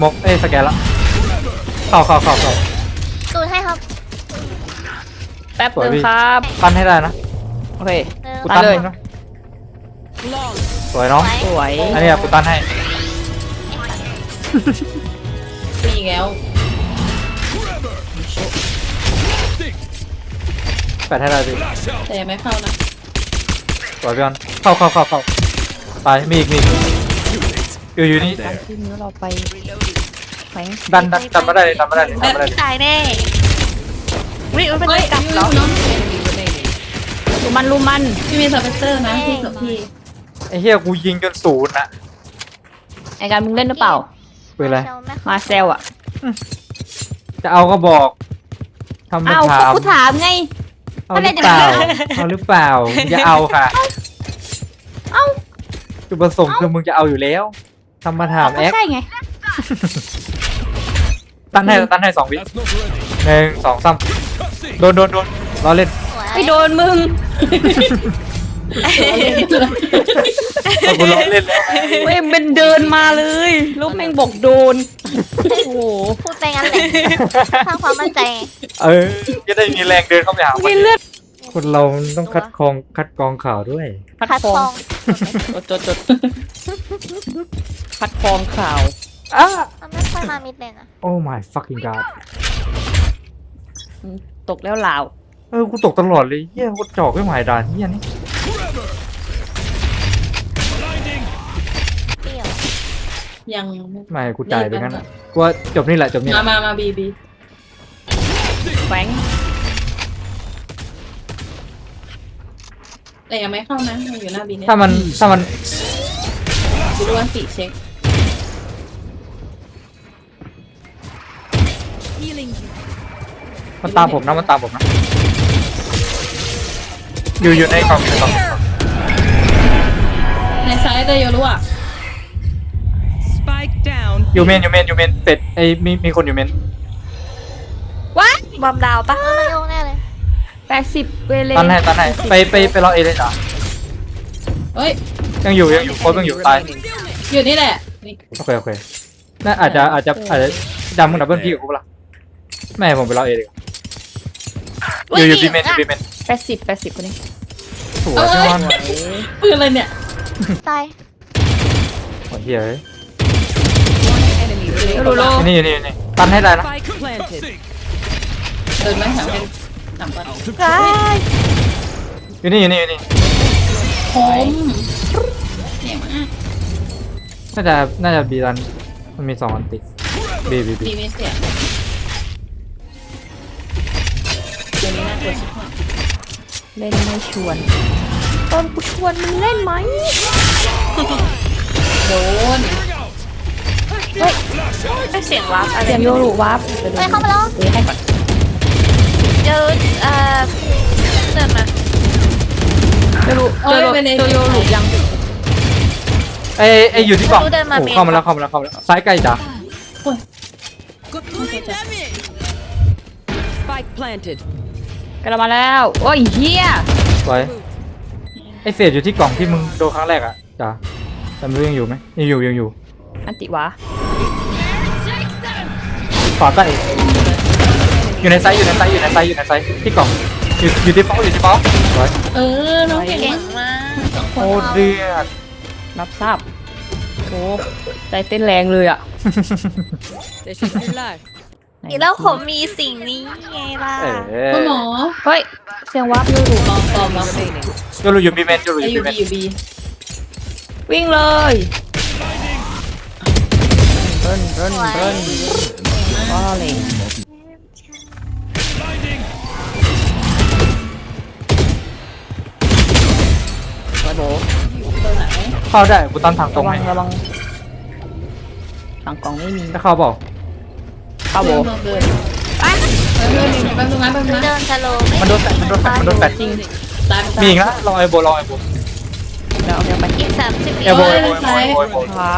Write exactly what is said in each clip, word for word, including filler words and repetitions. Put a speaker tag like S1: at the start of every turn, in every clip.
S1: มกเอ้สแกนละเข้าเข้าเข้าเข้า
S2: ตูนให้ครับ
S3: แป๊บนึงครับ
S1: ปั้นให้ได้นะ
S3: โอเค
S2: เออ
S1: กูตั้นให้นะสวยน้อง
S3: สวย
S1: อันนี้กูตั้นให้
S4: ปีแล้ว
S1: แปดให้ได้ดิ
S4: แต่ยังไม่เข้านะ
S1: สวยพี่ออนเข้าเข้าเข้าเข้าไปมีอีกมีอีกอยู่อยู่นี่
S3: การที่นิ้วเราไปแฝง
S1: ดันดันดันมาได้เลยดันมาได้เลยดันมาได้เลย
S2: ตายแน่วิมันเป็น
S4: เฮ้ย
S2: กลับ
S4: ยู
S2: เหรอ
S4: น้อง
S3: ลูมันลูมัน
S4: พี่มีสเปกเตอร์นะพี่กับพี่
S1: ไอ้เหี้ยกูยิงจนศูนย์นะ
S3: ไอการมึงเล่นหรือเปล่า
S1: ปืนอะไร
S3: มาเซลอะ
S1: จะเอาก็บอกทำไม่
S3: อ้าว
S1: ถาม
S3: กูถามไง
S1: เอาหรือเปล่าเอาหรือเปล่าอย่าเอาค่ะ
S3: เอ้า
S1: จุดประสงค์คือมึงจะเอาอยู่แล้วทำมาถาม
S3: ก็
S1: แอค
S3: ใช่ไง
S1: ตั้นให้ตั้นให้สองวิหนึ่งสองสามโดนโดนโดนรอเล่น
S3: ไปโดนมึง
S1: เอากูรอเล่นแล้ว
S3: เว้ยเป็นเดินมาเลยแล้วแม่งบอกโดน โอ้โห
S2: พูดไปงั้นแหละสร้างความมั่นใจไง
S1: เออจะได้มีแรงเดินเข้าไปหามัน
S3: มีเลือด
S1: คนเราต้องคัดกรองคัดกรองข่าวด้วย
S3: พัด
S2: คัด
S3: ฟอ
S2: ฟอง ง
S3: จดจดจดพัดฟองข่าว
S1: อ้า
S2: มันไม่ค่อยมามิดเลยนะ
S1: โอ้ my fucking god
S3: อืมตกแล้วลาว
S1: เออกูตกตลอดเลยเหี้ยกูจอกไม่หมายด่านเหี้ยนี่
S2: เปรี้ยว
S4: ยัง
S1: ไม่กูจ่ายไปงั้นอะกูว่าจบนี่แหละจบนี่แห
S4: มา
S1: ละ
S4: มามาบีบี
S3: แฝง
S4: แต่ยังไม่เข้านะมันอยู่หน้าบีเนี่ย
S1: ถ้ามันถ้ามัน
S4: ดูดูวันสีเช็ค
S1: มันตามผมนะมันตามผมนะอยู่อยู่ในกล่องอยู่ในกล่อง
S4: ในซ้ายแต่โยรู้อ่ะ
S5: Spike down.
S1: อยู่เมนอยู่เมนอยู่เมนเป็ดไอ้มีมีคนอยู่เมน
S3: ว้า
S2: บอมดาวปะมันโยงแน่เลย
S3: แปดสิบเวเล
S1: ตันให้ตันให้ไปไปไปรอเอเลยจ้ะ
S4: เฮ้ย
S1: ยังอยู่ยังอยู่โค้ชยังอยู่ตาย
S4: อยู่นี่แหละนี่
S1: โอเคโอเคน่าอาจจะอาจจะอาจจะดำมึงดับเบิลพี่กับกูปะล่ะไม่ผมไปรอเอเลยอยู่อยู่บีเมนอยู่บีเมน
S3: แปดสิบแปดสิบคนนี้
S1: สวยพี่มอน
S4: ปืนอะไรเนี่ย
S2: ตาย
S1: โอ้ยเฮ้ย
S5: Enemy
S3: โลโล
S1: นี่นี่นี่ตันให้ได้นะ
S5: Spike planted.
S4: เดินไหมถามกันถามก่อน
S2: ตาย
S1: อยู่นี่อยู่นี่อยู่นี่
S4: ผมเก่งมาก
S1: น่าจะน่าจะบีรันมันมีสองอันติดบีบีบี
S4: บีมีเสียงเดี๋ยวนี้น่ากลัวชิบหาย
S3: เล่นไม่ชวนตอนกูชวนมึงเล่นไหม
S4: โดน
S2: ไม่เสียงวับอะไร
S3: เสียงโยรุวับเดี๋ยว
S2: ไปเข้ามาแล้ว
S3: เดี๋ยวให้ก่อน
S2: เจอเอ่อเดินมา
S3: โยรุเจอโยเจอโยรุยัง
S1: ไอ้ไอ้อยู่ที่กล่องโอ้เข้ามาแล้วเข้ามาแล้วเข้ามาแล้วซ้ายใกล้จ้ะ
S5: Spike planted.
S3: กลับมาแล้วโอ้ยเฮีย
S1: สวยไอ้เศษอยู่ที่กล่องที่มึงโดนครั้งแรกอ่ะจ้ะแต่ไม่รู้ยังอยู่ไหมยังอยู่ยังอยู่
S3: อันติวะ
S1: ขวาใต้อยู่ในไซส์อยู่ในไซส์อยู่ในไซส์อยู่ในไซส์ที่กล่องอยู่อยู่ที่เป้าอยู่ที่เป้าสวย
S4: เออน้องเก่ง
S2: เก่ง
S4: มาก
S2: มาก
S4: สองค
S1: โคน ตรเดือด
S3: รับทราบโอ้ใจเต้นแรงเลยอ่ะ
S5: This is your life.
S2: อีแล้วผมมีสิ่งนี้ไงล่ะ
S1: เออ
S4: คุณหมอ
S3: เฮ้ยเสียงวับโยรุ
S4: ปอมปอมมา
S5: Remaining.
S1: จะรู้อยู่บีเมนจะรู้อ
S4: ไอยู่
S1: บีเม
S4: บี
S1: น
S4: อยู่บี
S3: วิ่งเลยเบิ้ลเบิ้ล
S2: สวย
S3: เบิ้ลก็เลยกระโดด
S4: ตัวไหน
S1: เข้าได้กูตั้งทางตร
S3: ระ
S1: ง
S3: วั
S1: ให้
S3: งระวังฝั่งกล่องไม่มี
S1: จะเข้าเปล่า
S3: เข้าโบ
S4: เดินเดินเดินเดินแป๊บนึงนะแป๊บนึง
S2: เดิ
S4: นะ
S2: นสโลว์ไม่
S1: มันโดนแฟดมันโดนแฟดมันโดนแฟด
S3: จริง
S4: ตายไป
S1: มีอีกนะรอไอโบรอไอโบ
S3: เดี๋ยวเอาเดี๋ยวไป
S2: อีกสามสิบวิ
S1: เอโบเอโบเอโบเอโบเอโบ
S3: ครับ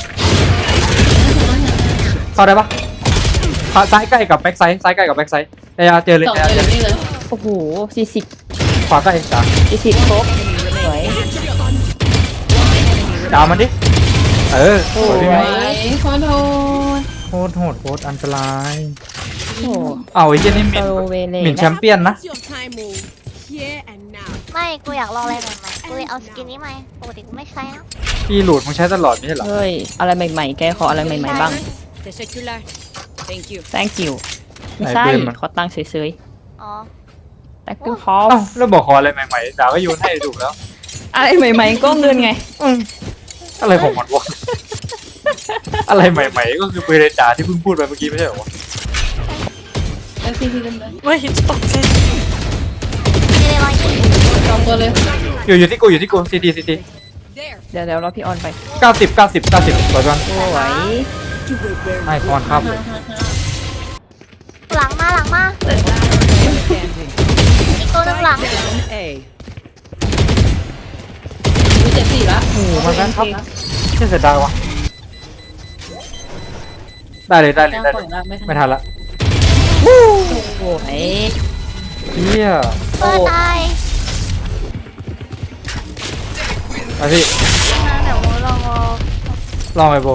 S1: เข้าได้ปะซ้ายใกล้กับแบ็กไซด์ซ้ายใกล้กับแบ็กไซด์เอเจอเลย
S4: สอง
S1: เอ
S4: เจ
S1: เจ
S4: อ
S1: อเลย
S4: นี่เลย
S3: โอ้โหสี่สิบ
S1: ขวาใกล้จ้ะ
S3: สี่สิบครบสวย
S1: ดาวมันดิเออสวยพี่
S4: ส
S1: ไหม
S4: วยขอโทษ
S1: ตรโหดโคตรอันตราย
S3: โอ้
S1: เอาไอ้เหี้ยนี่ห
S3: โซ
S1: มิ่น
S3: โลเวเล
S1: หมิ่นแชมเปี้ยนนะ
S6: Your time move here and now.
S2: ไม่กูอยากลองอะไรใหม่ๆกูเลยเอาสกินนี้มาปกติกูไม่ใช้นะ
S1: พี่หลุดมึงใช้ตลอดไม่ใช่เหรอ
S3: เฮ้ย อะไรใหม่ๆ แกขออะไรใหม่ๆบ้าง
S5: Teşekkürler. Thank you.
S3: thank you ไม่ใช่
S1: ไหนปืนมัน
S3: ขอตังค์เฉย
S2: อ๋อ
S3: ๆ thank you คอ
S1: เอ้าแล้วบอกขออะไรใหม่ๆด่าก็โยนให้ถูกแล้ว
S3: อะไรใหม่ๆ ก็เงินไง
S1: อืมอะไรของมันวะ อะไรใหม่ๆ ก็คือเบรจ่าที่เพิ่งพูดไปเมื่อกี้ไม่ใช่เหรอวะ
S4: เอฟซีพีกันเลย
S2: ไม่ได้ร้อยยี่
S4: สองตัวเลย
S1: อยู่อยู่ที่กูอยู่ที่กูซีดีซีดี
S3: เดี๋ยวเดี๋ยวรอพี่ออนไป
S1: เก้าสิบเก้าสิบเก้าสิบสวยจัง
S3: สวย
S1: ให้พรครับ
S2: หลังมาหลังมา
S5: Standing.
S2: อีกตัวหนึงหลัง
S5: Down A.
S4: มีเจ็ดสี่ละ
S1: โอ้โหมันนั้นครับเชื่อเสียดายวะได้เลยได้เลย
S4: ย่าง
S1: ได้
S4: ป
S1: เล
S4: ล่อย
S1: ย
S4: ละไม่ทัน
S1: ไม่ทันละ
S3: โอ้ย
S1: เฮีย
S2: เปิดตาย
S1: ไปพี่
S2: นะเดี๋ยวกูลองเอา
S1: ลองไปโบ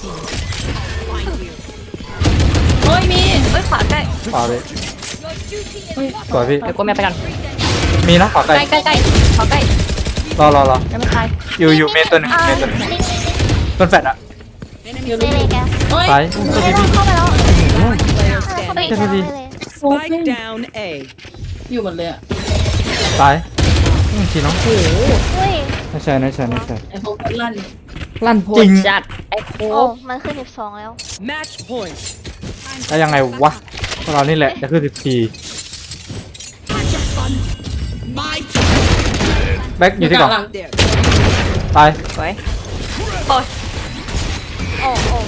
S4: โอ้ยมี
S2: เฮ้ยขวาใกล้
S1: ขวาไป
S4: เฮ้ย
S1: สวยพี่
S3: เดี๋ยวกูแม่ไปกัน
S1: มีนะขวาไกล
S3: ใกล้ใกล้ใกล้ขอใกล้
S1: รอรอรอ
S3: ยังไม่ตาย
S1: อยู่อยู่เมนตัวหนึง
S2: อ่า
S1: เมนตัวหนึง
S2: นี่นี่นี่
S1: ต้นแฟดอะ
S4: อยู่
S2: นี่
S4: รู้
S2: เลยแก
S4: โอ้ย
S1: ซ้ายตัว
S2: ไม่
S1: ที
S2: ต้อ
S1: พี่
S2: งเข้าไปแล้ว
S5: Player
S2: เข้าไป
S5: standing.
S2: อีกแล้วไม่เลย
S5: Spike down A.
S4: อยู่หมดเลยอ่ะ
S1: ซ้ายอืมทีน้อง
S2: อุ้ย
S1: ไม่ใช่ไม่ใช่ไม่ใช่
S4: ไอ้พวกลั่น
S1: ลั่น
S3: โห
S1: จริ
S3: ด
S1: ง
S3: จัดไอ้โค
S2: โอ้
S3: ก
S2: มันขึ้นสิบสองแล้ว
S5: Match point.
S1: แล้วยังไงวะพวกเรานี่แหละจะขึ้นสิบสี่แบ็คอยู่ที่กล่อง
S4: หลัง
S5: There.
S1: ตาย
S3: สวย
S2: โอ้โอ้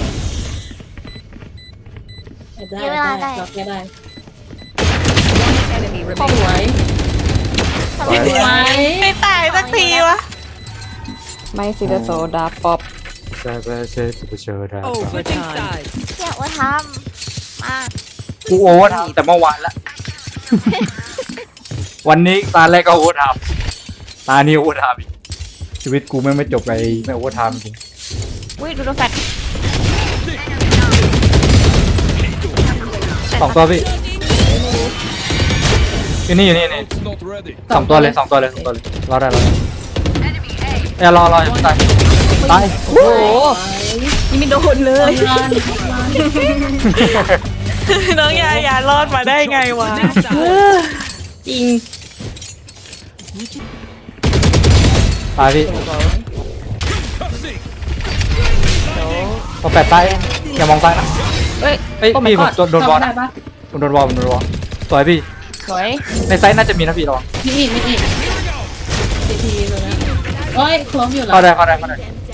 S4: ได้
S2: เวลาได้
S4: ได้ล็อกได้
S5: Enemy
S4: ส
S5: remaining.
S4: วย
S1: สวย
S4: สวย
S2: ไม่ตายสักทีวะ
S3: ไม่ซิลโซดาป๊อป
S1: เจอเจอเจอเจอได้
S5: Switching sides.
S2: เที่ยวว่าทำมา
S1: กูโอเวอร์ไทม์แต่เมื่อวานละ วันนี้ตาแรกก็โอเวอร์ไทม์ตานี้โอเวอร์ไทม์อีกชีวิตกูไม่งไม่จบไปไม่โอเวอร์ไทม์จริง
S3: อุ้ยดูโดนแฟด
S1: สองตัวพี่อยู่นี่อยู่นี่นี่สองตัวเลยสองตัวเลยสองตัวเลยรอได้รอได้เอ้ยรอรออย่าเพิ่งตายตาย
S3: โอ้โหยังไม่โดนเลย
S4: ลั่น
S6: น้องยายารอดมาได้ไงวะ
S5: Switching sides.
S3: จริง
S1: ตายพี่พอแปดตายอย่ามองซ้ายนะ
S3: เฮ้ย
S1: เอ้ย
S3: โอ้ my
S1: พี่ผม
S3: god
S1: โดนโดนบอล
S4: ได้
S1: นะ
S4: ปะ
S1: ผมโดนบอลผมโดนบอลสวยพี่
S3: สวย
S1: ในไซส์น่าจะมีนะพี่ระวัง
S4: มีอีกมีอีกทีทีเลยนะโอ้ยคล้มอยู่แล้ว
S1: เข้าได้เข้าได้เข้าได้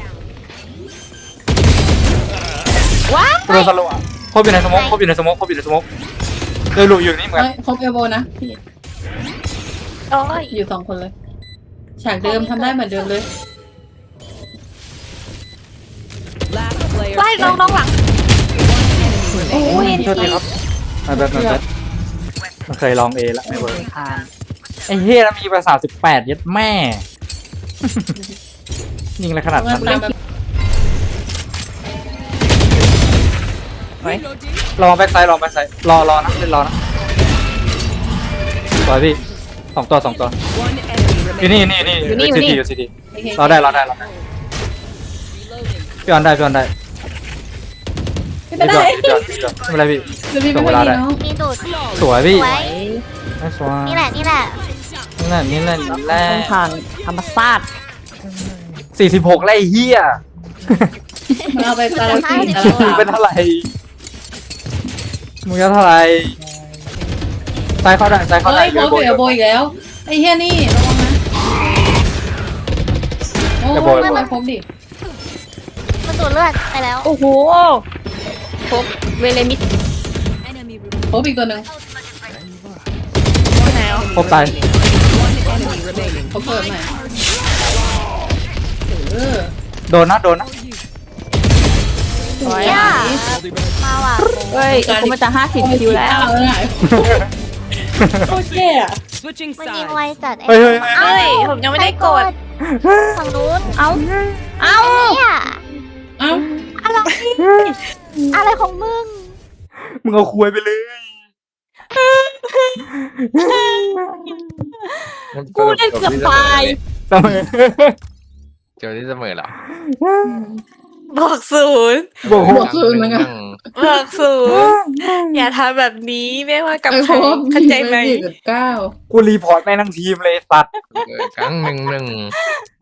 S2: ว้า
S1: โดนสโลว์อะครบอยู่ในสโมกครบอยู่ในสโมกครบอยู่ในสโมกเลยหลุดอยู่นี่เหมือนกั
S4: เฮ้
S1: น
S4: ยครบเอลโบนะพี่
S2: โอ้ย
S4: อยู่สองคนเลย ฉากเดิมทำได้เหมือนเดิมเลย
S5: Last player
S2: ไล่น้อง
S5: standing.
S2: น้องหลัง
S3: โอ้ย
S1: โทษทีครับมาแบบมาแบบมันเคยลองเอแล้วไม่เวิร์ก
S3: ผ่าน
S1: ไอ้เฮียแล้วมีภาษาสิบแปดยัดแม่ ยิงอะไรขนาด
S4: เมื่อ
S1: นั้น
S4: ตามแบบ
S3: สวย
S1: ลองแบ็กไซด์ลองแบ็กไซด์รอรอนะเล่นรอนะสวยพี่สองตัวสองตัว
S5: One enemy
S1: อยู่
S5: remaining.
S1: นี่นี่นี่อยู่ซีดีอยู่ซีดีรอได้รอได้รอได้พี่ออนได้พี่ออนได้
S4: ไม่เป็นไร
S1: พี่ออนพี่ออนพี่ออนไม่เป็นไรพี่
S4: เดี๋ยวพี่ไม่เป็นไรเนาะ
S2: มีดูด
S1: สวยพี่
S2: ไว้
S1: ไม่สวย
S2: นี่แหละนี่แหละ
S1: นี่แหละนี่แหละนี่แหละ
S3: ต้องทางธรรมศาสตร์
S1: สี่สิบหกไล่เฮีย
S4: มันเอาไปตาลสีตาล
S1: มึง
S4: สา
S1: เป็นเท่าไหร่มึงจะเท่าไหร่ซ้ายเข้าได้ซ้ายเข้าได้
S4: เฮ้ยครบเอลโบอีกแล้วไอ้เฮียนี่ระวังนะโอ้ยไม่ครบดิ
S2: มันดูดเลือดไปแล้ว
S3: โอ้โหครบเวเลมิด
S4: ครบอีกตัวหนึ่ง
S1: ครบตาย
S5: One enemy remaining.
S4: เขาเปิดใหม่เออ
S1: โดนนะโดนนะ
S3: สวย
S2: ย่ามาว่ะ
S3: เฮ้ยกูมาจะห้าสิบคิวแล้ว
S4: เออโคตรแย่อะ
S5: Switching
S2: มันยิงไว
S5: sides.
S2: จัด
S1: เฮ้ยเฮ้ยเฮ้ย
S2: เอ้ยผมยังไม่ได้กดฝั่งนู้น
S3: เอ้า เอ้า
S2: เนี่ย
S4: เอ้า
S2: อะไร
S3: อะไรของมึง
S1: มึงเอาคุยไปเลย
S2: กูเล่นเกือบตาย
S1: ทำไม
S7: เจอที่เสมอเหรอ
S2: บอกศูนย์
S1: บอก
S4: บวกศูนย์เหมือนกัน
S2: บอกศูนย์อย่าทำแบบนี้ไม่ว่ากับ
S4: ไอ้
S2: ใคร
S4: โค้ด
S2: เข้าใจไหม
S4: สี่จุดเก้า
S1: กูรีพอร์ตแม่งทั้งทีมเลยตัด
S7: เออครั้งหนึ่งหนึ่ง